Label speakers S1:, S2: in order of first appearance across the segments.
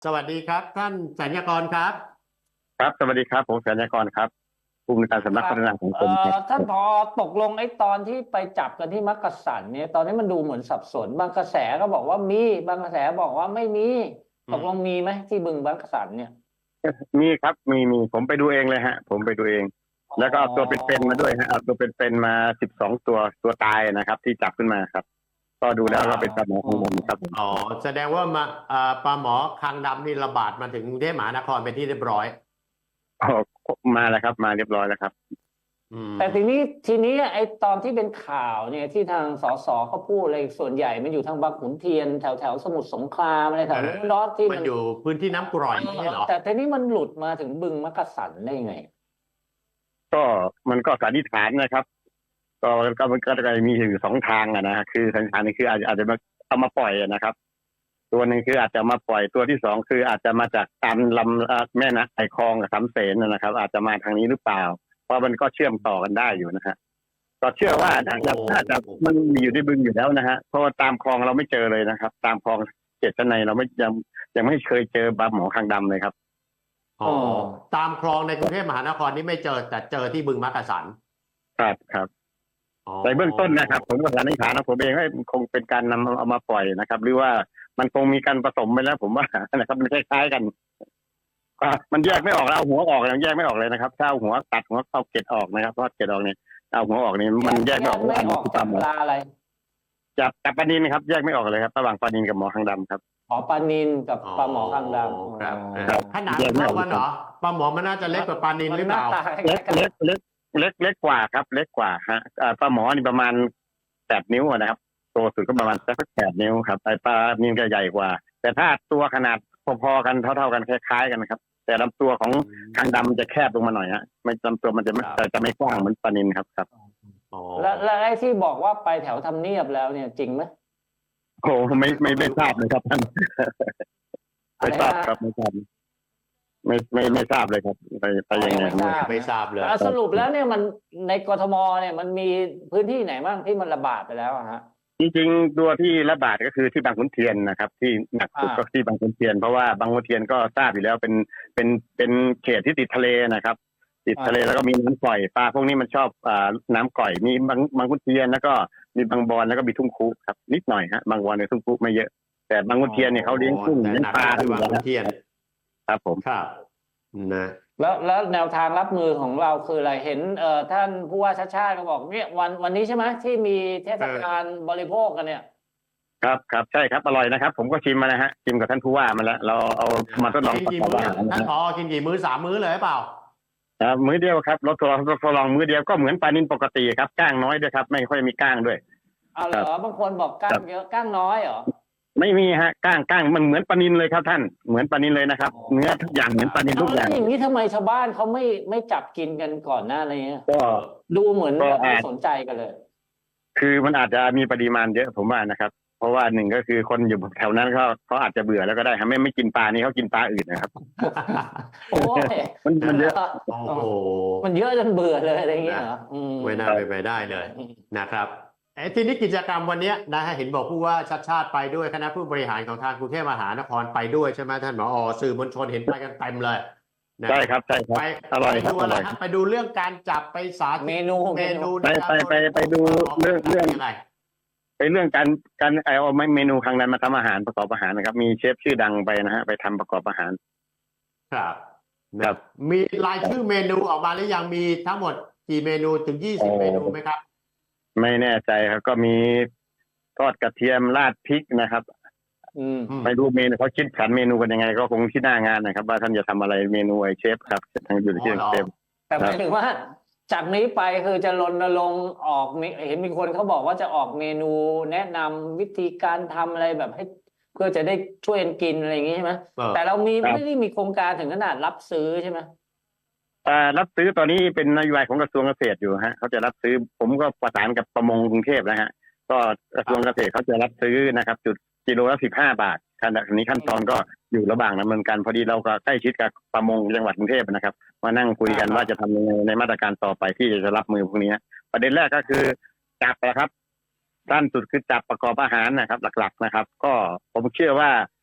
S1: สวัสดีครับท่านสัญญากรครับ
S2: ครับสวัสดีครับผมสัญญากรครับผู้อำนวยการสำนัก
S3: ครับ
S2: พัฒนาสังคมครับ
S3: ท่านผอตกลงไอ้ตอนที่ไปจับกันที่มักกะสันเนี่ยตอนนี้มันดูเหมือนสับสนบางกระแสก็บอกว่ามีบางกระแสบอกว่าไม่มีตกลง
S1: อืม
S3: มีไหมที่บึงมักกะสันเนี่ย
S2: มีครับมีผมไปดูเองเลยฮะผมไปดูเอง
S3: อ๋
S2: แล้วก็เอาตัวเป็น
S3: อ
S2: ๆมาด้วยฮะเอาตัวเป็นๆมา12ตัวตายนะครับที่จับขึ้นมาครับก็ดู
S1: อ๋อ
S2: แล้วก็เป็นปลาหมอของผมครับผม
S1: อ๋อแสดงว่ามาปลาหมอคางดำนี่ระบาดมาถึงกรุงเทพมหานครเป็นที่เรียบร้อย
S2: อ๋อมาแล้วครับมาเรียบร้อยแล้วครับ
S1: อื
S3: แต่ที
S1: ม
S3: นี้ทีนี้ไอ้ตอนที่เป็นข่าวเนี่ยที่ทางสสเขาพูดอะไรส่วนใหญ่มันอยู่ทางบางขุนเทียนแถวสมุทรสงครามอะไรแถ
S1: เออ
S3: วนู้นเนาะที่มัน
S1: มันอยู่พื้นที่น้ำกร่อยไม่ใช่เหรอ
S3: แต่ทีนี้มันหลุดมาถึงบึงมักกะสันได้ยังไง
S2: ก็มันก็สันนิษฐานนะครับก็จะมีอยู่2 ทางนะฮะคือสันนิษฐานนี่คืออาจจะมาเอามาปล่อยนะครับตัวหนึ่งคืออาจจะมาปล่อยตัวที่2คืออาจจะมาจากตามลำแม่น้ำไอคลองกับสำเสนนะครับอาจจะมาทางนี้หรือเปล่าเพราะมันก็เชื่อมต่อกันได้อยู่นะฮะก็เชื่อว่าน่าจะมันมีอยู่ในบึงอยู่แล้วนะฮะเพราะว่าตามคลองเราไม่เจอเลยนะครับตามคลองเขตชั้นในเราไม่ยังไม่เคยเจอปลาหมอคางดำเลยครับ
S1: อ๋อตามคลองในกรุงเทพมหานครนี่ไม่เจอแต่เจอที่บึงมักกะสัน
S2: ครับ
S1: อ๋อ
S2: ในเบื้องต้นนะครับผมก็สันนิษฐานนะผมเองว่ามันคงเป็นการนำเอามาปล่อยนะครับหรือว่ามันคงมีการผสมไปแล้วผมว่านะครับมันคล้ายๆกันมันแยกไม่ออกแล้วเอาหัวออกยังแยกไม่ออกเลยนะครับถ้าเอาหัวตัดหัวเอาเกล็ดออกนะครับเพราะเกล็ดออกเนี่ยเอาหัวออกนี่มันแยกไม่ออกว่าอันไหนคือป
S3: จาก
S2: ลาหมอ
S3: ปลาอะไร
S2: จับปลานินครับแยกไม่ออกเลยครับระหว่างปลานินกับหมอคางดำครับ
S3: อ๋อปลานิลกับ
S1: อ๋อ
S3: ปลาหมอคางดำ
S1: ครับ
S2: ครับ
S1: ขนาด
S2: แยก
S1: มัน
S2: ไม่ออกเลยครับ
S1: เท่ากันเหรอปลาหมอมันน่าจะเล็กกว่าปลานิล
S3: มัน
S1: หรือเปล่า
S3: หน้าตาค
S2: เล็ก
S3: ล้ายๆกัน
S2: เล็กเล็กเล็กกว่าครับเล็กกว่าฮะปลาหมอนี่ประมาณ8 นิ้วนะครับตัวสุดก็ประมาณสัก8 นิ้วครับไอปลานิลก็ใหญ่กว่าแต่ถ้าตัวขนาดพอๆกันเท่าๆกันคล้ายๆกันนะครับแต่ลำตัวของคางดำจะแคบลงมาหน่อยฮะไม่ลำตัวมันจะไม่กว้างเหมือนปลานิลครับ
S1: อ๋อ
S3: แล้วไอ้ที่บอกว่าไปแถวทำเนียบแล้วเนี่ยจริงไหม
S2: โอ้ไม่ทราบเลยครับท่าน
S3: อะ
S2: ไม่
S3: ไรนะ
S2: ทราบครับไม่ทราบไม่ทราบเลยครับไปยังไง
S3: ยังไม่ทราบ
S1: ไม่ทราบเลย
S3: สรุปแล้วเนี่ยมันในกทมเนี่ยมันมีพื้นที่ไหนบ้างที่มันระบาดไปแล้วอะฮะ
S2: จริงๆตัวที่ระบาดก็คือที่บางขุนเทียนนะครับที่หนักสุดก็ที่บางขุนเทียนเพราะว่าบางขุนเทียนก็ทราบอยู่แล้วเป็นเขตที่ติดทะเลนะครับติดทะเลแล้วก็มีน้ำก่อยปลาพวกนี้มันชอบน้ำก่อยมีบางขุนเทียนแล้วก็มีบางบอนแล้วก็มีทุ่งคุครับนิดหน่อยฮะบางบอนในทุ่งคุไม่เยอะแต่บางขุนเทียนเนี่ยเขาเลี้ยงกุ้ง
S1: แต่
S2: เลี้ยง
S1: หนัก
S2: ปลา
S1: ที่
S2: อยู่แล้ว
S1: บางขุนเทียน
S2: ครับผม
S1: ครับนะ
S3: แล้วแนวทางรับมือของเราคืออะไรเห็นท่านผู้ว่าชาติชาติก็บอกเนี่ยวันนี้ใช่ไหมที่มีเทศกาลบริโภคกันเนี่ย
S2: ครับใช่ครับอร่อยนะครับผมก็ชิมมาแล้วฮะชิมกับท่านผู้ว่ามาแล้วเราเอามาทดลอง
S1: กิน
S2: ประ
S1: กี่มื้อ
S2: กอบอาหารนะ
S1: ท่าน
S2: ฮะ
S1: ผอกินกี่มื้อ3 มื้อเลยหรือเปล่า
S2: มื้อเดียวครับรถทดลองมื้อเดียวก็เหมือนปลานิลปกติครับก้างน้อยด้วยครับไม่ค่อยมีก้างด้วย
S3: เอาเหร
S2: ครับ
S3: อบางคนบอกก้า
S2: ครับ
S3: งเยอะก้างน้อยเหรอ
S2: ไม่มีฮะก้างมันเหมือนปลานิลเลยครับท่านเหมือนปลานิลเลยนะครับเนื้อทุกอย่างเหมือนปลานิลทุกอย่าง
S3: แล้วอย่างนี้ทำไมชาวบ้านเขาไม่จับกินกันก่อนหน้าอะไรเงี้ย
S2: ก็
S3: ดูเหมือน
S2: ก็
S3: แบบไม่
S2: อาจ
S3: สนใจกันเลย
S2: คือมันอาจจะมีปริมาณเยอะผมว่านะครับเพราะว่าหนึ่งก็คือคนอยู่แถวนั้นเขาอาจจะเบื่อแล้วก็ได้ครับไม่กินปลานี้เขากินปลาอื่นนะครับ
S3: โอ้ย
S2: มันเยอะ
S1: โอ้โห
S3: มันเยอะจนเบื่อเลยอะไรเงี้ยเหรอ
S1: ไม่น่าไปได้เลยนะครับทีนี้กิจกรรมวันนี้นะฮะเห็นบอกผู้ว่าชัดชาติไปด้วยคณะผู้บริหารของทางกรุงเทพมหานครไปด้วยใช่ไหมท่านผอสื่อมวลชนเห็นไปกันเต็มเลยนะ
S2: ใช่ครับ
S1: ไป
S2: อร่อยครับ
S1: ดูอะไร
S2: อร่อย
S1: ฮะไปดูเรื่องการจับไปสาธิตเมนู
S2: ไป
S1: ในการ
S2: ไปดูเรื่อง
S1: ยังไง
S2: ไปเรื่องการเอาเมนูครั้งนั้นมาทำอาหารประกอบอาหารนะครับมีเชฟชื่อดังไปนะฮะไปทำประกอบอาหาร
S1: ครับนะครับมีรายชื่อเมนูออกมาหรือยังมีทั้งหมดกี่เมนูถึง20 เมนูไหมครับ
S2: ไม่แน่ใจครับก็มีทอดกระเทียมราดพริกนะครับไม่รู้เมนูเขาคิดขันเมนูกันยังไงก็คงที่หน้างานนะครับว่าท่านจะทำอะไรเมนูไอเชฟครับทางอยู่ที่เชฟ
S3: แต่หมายถึงว่าจากนี้ไปคือจะรณรงค์ออกเห็นมีคนเขาบอกว่าจะออกเมนูแนะนำวิธีการทำอะไรแบบให้เพื่อจะได้ช่วยกันกินอะไรอย่างงี้ใช่ไหมแต่เราไม่ได้มีโครงการถึงขนาดรับซื้อใช่ไหม
S2: รับซื้อตอนนี้เป็นนโยบายของกระทรวงเกษตรอยู่ฮะเขาจะรับซื้อผมก็ประสานกับประมงกรุงเทพนะฮะก็กระทรวงเกษตรเขาจะรับซื้อนะครับจุดกิโลละ15 บาทขณะนี้ขั้นตอนก็อยู่ระหว่างดำเนินการพอดีเราก็ใกล้ชิดกับประมงจังหวัดกรุงเทพนะครับมานั่งคุยกันว่าจะทำยังไงในมาตรการต่อไปที่จะรับมือพวกนี้ประเด็นแรกก็คือจับนะครับสั้นสุดคือจับประกอบอาหารนะครับหลักๆนะครับก็ผมเชื่อว่า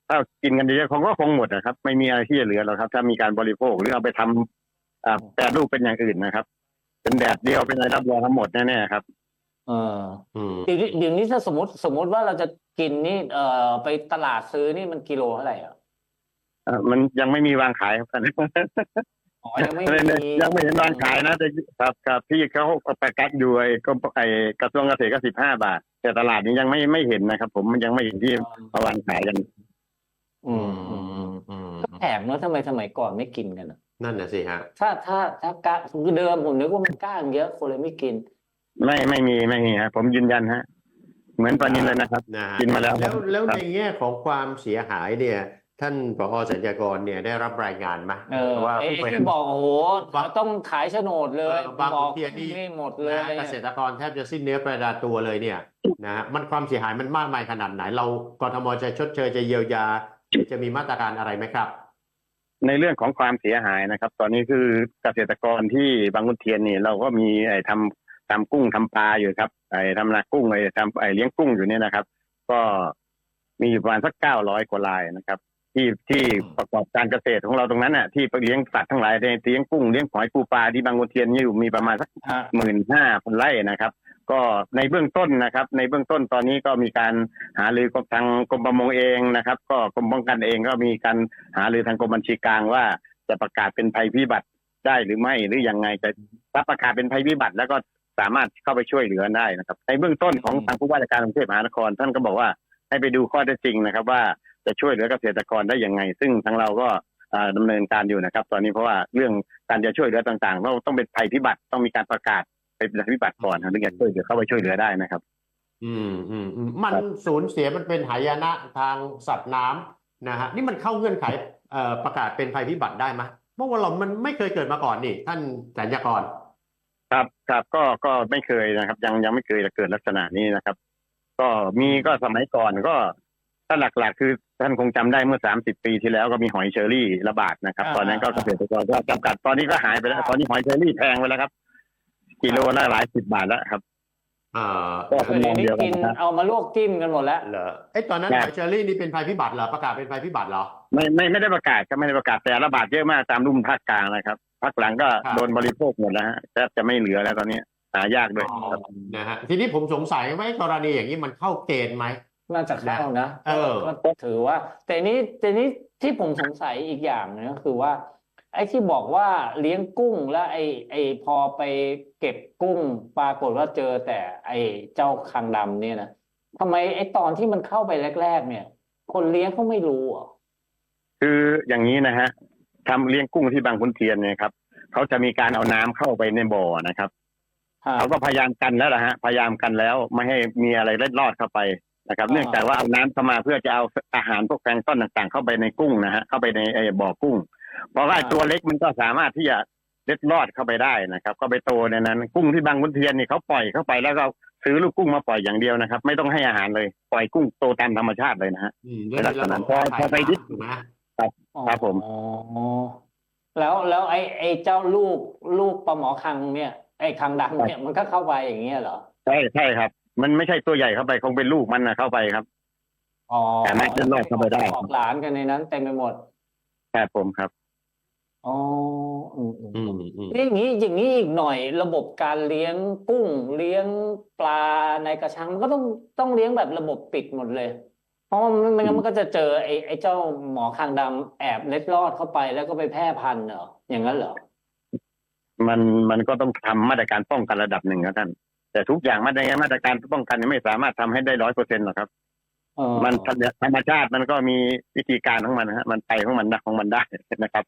S2: ถ้ากินกันเยอะๆคงก็คงหมดนะครับไม่มีอะไรที่จะเหลือหรอกครับ ถ้ามีการบริโภคหรือเอาไปทำแปรรูปเป็นอย่างอื่นนะครับ เป็นแดดเดียวเป็นอะไรรับรองทั้งหมดแน่ๆครับ
S3: เออ
S1: อืม
S3: เดี๋ยวนี้ถ้าสมมติว่าเราจะกินนี่ไปตลาดซื้อนี่มันกิโลเท่าไหร่อ่ะ
S2: มันยังไม่มีวางขายครับ
S3: อ๋อยังไม่
S2: ยังไม่เห็นวางขายนะแต่ครับที่เขาประกาศอยู่กระทรวงเกษตรก็15 บาท แต่ตลาดนี้ยังไม่เห็นนะครับ ผมมันยังไม่เห็นที่เอาวางขายกัน
S3: อืมก็แปลกเนอะทำไมสมัยก่อนไม่กินกันอะ
S1: นั่นน่ะสิฮะ
S3: ถ้ากล้าคือเดิมผมนึกว่ามันกล้างเยอะคนเลยไม่กิน
S2: ไม่มีฮะผมยืนยันฮะเหมือนปลานิลเลยนะครับ
S1: นะฮะ
S2: กินมาแล้ว
S1: แล้ว
S2: ครับ
S1: ในแง่ของความเสียหายเนี่ย ท่านผอ.สัญญากรเนี่ยได้รับรายงานไหม ว่า
S3: ไอ้
S1: ผู้บริ
S3: ที่บอกโอ้โห
S1: บาง
S3: ต้องขายโฉนดเลย
S1: บาง
S3: บอก
S1: พื้นที่นี่
S3: หมดเลย
S1: นะเกษตรกรแทบจะสิ้นเนื้อประดาตัวเลยเนี่ยนะฮะมันความเสียหายมันมากมายขนาดไหน เรากทมจะชดเชยจะเยียวยาจะมีมาตรการอะไรไหมครับ
S2: ในเรื่องของความเสียหายนะครับ ตอนนี้คือเกษตรกรที่บางขุนเทียนนี่เราก็มีทำกุ้งทำปลาอยู่ครับทำนากุ้งทำเลี้ยงกุ้งอยู่เนี่ยนะครับ ก็มีอยู่ประมาณสัก900 กว่ารายนะครับ ที่ประกอบการเกษตรของเราตรงนั้นน่ะที่เลี้ยงสัตว์ทั้งหลายเลี้ยงกุ้งเลี้ยงหอยปูปลาที่บางขุนเทียนนี่อยู่มีประมาณสัก 15,000 ไร่นะครับ ก็ในเบื้องต้นนะครับ ในเบื้องต้นตอนนี้ก็มีการหารือกับทางกรมประมงเองนะครับ ก็กรมป้องกันเองก็มีการหารือทางกรมบัญชีกลางว่าจะประกาศเป็นภัยพิบัติได้หรือไม่หรือยังไงจะรับประกาศเป็นภัยพิบัติแล้วก็สามารถเข้าไปช่วยเหลือได้นะครับ ในเบื้องต้นของทางผู้ว่าราชการกรุงเทพมหานครท่านก็บอกว่าให้ไปดูข้อเท็จจริงนะครับ ว่าจะช่วยเหลือเกษตรกรได้ยังไง ซึ่งทางเราก็ดำเนินการอยู่นะครับ ตอนนี้เพราะว่าเรื่องการจะช่วยเหลือต่างๆต้องเป็นภัยพิบัติต้องมีการประกาศเป็นภัยพิบัติก่อนถึงจะช่วยเหลือเข้าไปช่วยเหลือได้นะครับ
S1: มันสูญเสียมันเป็นหายนะทางสัตว์น้ำนะฮะนี่มันเข้าเงื่อนไขประกาศเป็นภัยพิบัติได้ไหมเพราะว่ามันไม่เคยเกิดมาก่อนนี่ท่านสัญญากร
S2: ครับก็ไม่เคยนะครับ ยังไม่เคยเกิดลักษณะนี้นะครับ ก็มีก็สมัยก่อนก็ถ้าหลักๆคือท่านคงจำได้เมื่อ30 ปีที่แล้วก็มีหอยเชอรี่ระบาดนะครับ ตอนนั้นก็เกษตรกรก็จำกัดตอนนี้ก็หายไปแล้วตอนนี้หอยเชอรี่แพงไปแล้วครับกิโลละหลาย10 บาทแล้วครับ ก็
S3: เดี๋ยวนี้กินเอามาลวกจิ้มกันหมดแล้ว
S1: เหรอตอนนั้นหอยเชอรี่นี่เป็นภัยพิบัติเหรอประกาศเป็นภัยพิบัติเหรอ
S2: ไม่ได้ประกาศครับไม่ได้ประกาศแต่ระบาดเยอะมากตามรุ่มภาคกลางนะครับภาคหลังก็โดนบริโภคหมดแล้วฮะแทบจะไม่เหลือแล้วตอนนี้หายากด้วยครับ
S1: นะฮะทีนี้ผมสงสัยว่ากรณีอย่างนี้มันเข้าเกณฑ์ไหม
S3: น่าจะเข้านะ
S1: ก็
S3: ถือว่า แต่นี้ที่ผมสงสัยอีกอย่างนึงก็คือว่า ไอ้ที่บอกว่าเลี้ยงกุ้งแล้วไอ้พอไปเก็บกุ้งปรากฏว่าเจอแต่ไอ้เจ้าคางดำเนี่ยนะทำไมไอ้ตอนที่มันเข้าไปแรกๆเนี่ย คนเลี้ยงเขาไม่รู้อ่ะ
S2: คืออย่างนี้นะฮะทำเลี้ยงกุ้งที่บางขุนเทียนเนี่ยครับเขาจะมีการเอาน้ำเข้าไปในบ่อนะครับเขาก็พยายามกันแล้วนะฮะพยายามกันแล้วไม่ให้มีอะไรเล็ดลอดเข้าไปนะครับ เนื่องจากว่าเอาน้ำเข้ามาเพื่อจะเอาอาหารพวกแพลงก์ต้นต่างๆเข้าไปในกุ้งนะฮะเข้าไปในบ่อกุ้งเพราะว่าตัวเล็กมันก็สามารถที่จะเล็ดลอดเข้าไปได้นะครับก็ไปโตในนั้นกุ้งที่บางขุนเทียนนี่เขาปล่อยเข้าไปแล้วก็ซื้อลูกกุ้งมาปล่อยอย่างเดียวนะครับไม่ต้องให้อาหารเลยปล่อยกุ้งโตตามธรรมชาติเลยนะฮะ
S1: ด้วยระบบ
S2: พอไปนิด
S1: ถูกไหม
S2: ครับผม
S3: อ๋อแล้วไอ้เจ้าลูกปลาหมอคังเนี่ยไอ้คังดำเนี่ยมันก็เข้าไปอย่างเงี้ยเหรอ
S2: ใช่ครับ มันไม่ใช่ตัวใหญ่เข้าไปคงเป็นลูกมันนะเข้าไปครับ
S3: อ๋อ
S2: แต่ไม่เล็ดลอดเข้าไปได้
S3: ออกหลานกันในนั้นเต็มไปหมด
S2: ครับผมครับ
S3: อ๋อ
S1: นี่
S3: อย่างนี้อีกหน่อยระบบการเลี้ยงกุ้งเลี้ยงปลาในกระชังมันก็ต้องเลี้ยงแบบระบบปิดหมดเลย เพราะไม่งั้นมันก็จะเจอไอ้เจ้าหมอคางดำแอบเล็ดลอดเข้าไปแล้วก็ไปแพร่พันธุ์เหรออย่างนั้นเหรอ
S2: มันก็ต้องทำมาตรการป้องกันระดับหนึ่งครับท่านแต่ทุกอย่างมาตรการป้องกันไม่สามารถทำให้ได้100%หรอกครับมันธรรมชาติมันก็มีวิธีการของมันนะฮะมันไปของมันได้นะครับ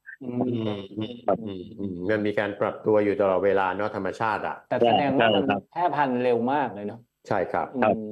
S1: มันมีการปรับตัวอยู่ตลอดเวลาเนาะธรรมชาติอ่ะ
S3: แต่แสดงว่ามันแพร่พันธุ์เร็วมากเลยเนาะ
S1: ใช่ครับ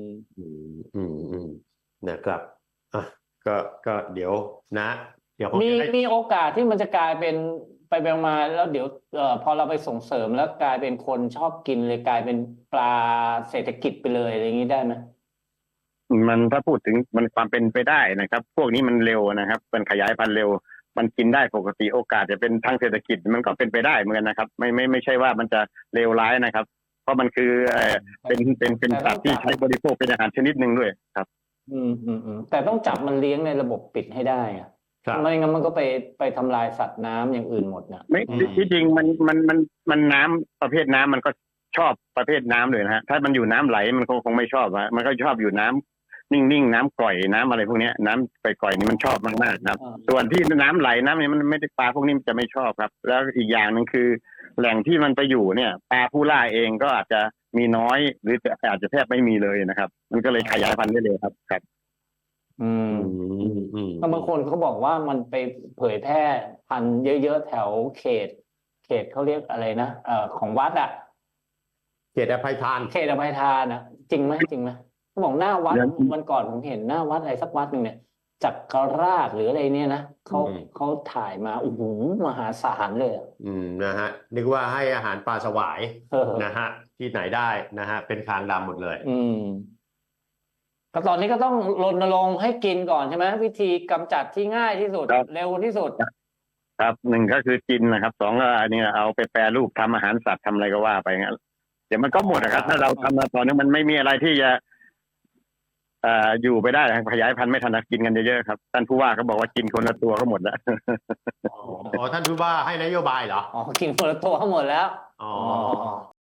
S1: นะครับก็เดี๋ยวนะ เดี๋ยวผมจะได้
S3: มีโอกาสที่มันจะกลายเป็นไปมาแล้วเดี๋ยวพอเราไปส่งเสริมแล้วกลายเป็นคนชอบกินเลยกลายเป็นปลาเศรษฐกิจไปเลยอะไรอย่างนี้ได้ไหม
S2: มันถ้าพูดถึงมันความเป็นไปได้นะครับ พวกนี้มันเร็วนะครับมันขยายพันธุ์เร็วมันกินได้ปกติโอกาสจะเป็นทางเศรษฐกิจมันก็เป็นไปได้เหมือนกันนะครับไม่ใช่ว่ามันจะเลวร้ายนะครับ เพราะมันคือเป็นสัตว์ที่ใช้บริโภคเป็นอาหารชนิดหนึ่งด้วยครับ
S3: แต่ต้องจับมันเลี้ยงในระบบปิดให้ได้อะ
S1: ครับ
S3: ไม่งั้นมันก็ไปทำลายสัตว์น้ำอย่างอื่นหมดนะ
S2: ไม่
S1: อืม
S2: ที่จริงมันน้ำประเภทน้ำมันก็ชอบประเภทน้ำเลยนะฮะถ้ามันอยู่น้ำไหลมันคงไม่ชอบฮะมันก็ชอบอยู่น้ำนิ่งๆน้ำกร่อยน้ำอะไรพวกเนี้ยน้ำกร่อยๆนี่มันชอบมากๆครับ ส่วนที่น้ำไหลน้ำเนี่ยมันไม่ได้ปลาพวกนี้มันจะไม่ชอบครับ แล้วอีกอย่างหนึ่งคือ แหล่งที่มันไปอยู่เนี่ยปลาผู้ล่าเองก็อาจจะมีน้อยหรืออาจจะแทบไม่มีเลยนะครับ มันก็เลยขยายพันธุ์ได้เลยครับครับ
S3: อืม บางคนเขาบอกว่ามันไปเผยแพร่พันธุ์เยอะๆแถวเขตเขาเรียกอะไรนะของวัดอ่ะ
S1: เขตอภัยทาน
S3: เขตอภัยทานอ่ะ จริงไหมเขาบอกหน้าวัด
S2: เดี๋ยว
S3: วันก่อนผมเห็นหน้าวัดอะไรสักวัดหนึ่งเนี่ยจักรราชหรืออะไรเนี่ยนะเขาถ่ายมาโอ้โหมหาศาลเลยอะ
S1: นะฮะนึกว่าให้อาหารปลาสวาย
S3: เออ
S1: นะฮะที่ไหนได้นะฮะเป็นคางดำหมดเลย
S3: ก็ตอนนี้ก็ต้องรณรงค์ให้กินก่อนใช่ไหมวิธีกำจัดที่ง่ายที่สุด
S2: ครับ
S3: เร็วที่สุด
S2: ครับหนึ่งก็คือกินนะครับสองก็อันนี้เอาไปแปรรูปทำอาหารสัตว์ทำอะไรก็ว่าไปงั้นเดี๋ยวมันก็หมดนะครับ ถ้าเราทำมาตอนนี้มันไม่มีอะไรที่จะอยู่ไปได้ขยายพันธุ์ไม่ทันกินกันเยอะๆครับท่านผู้ว่าก็บอกว่ากินคนละตัวก็หมดแล้ว
S1: อ๋อท่านผู้ว่าให้นโยบายเหรอ
S3: กินคนละตัวทั้งหมดแล้ว
S1: อ๋อ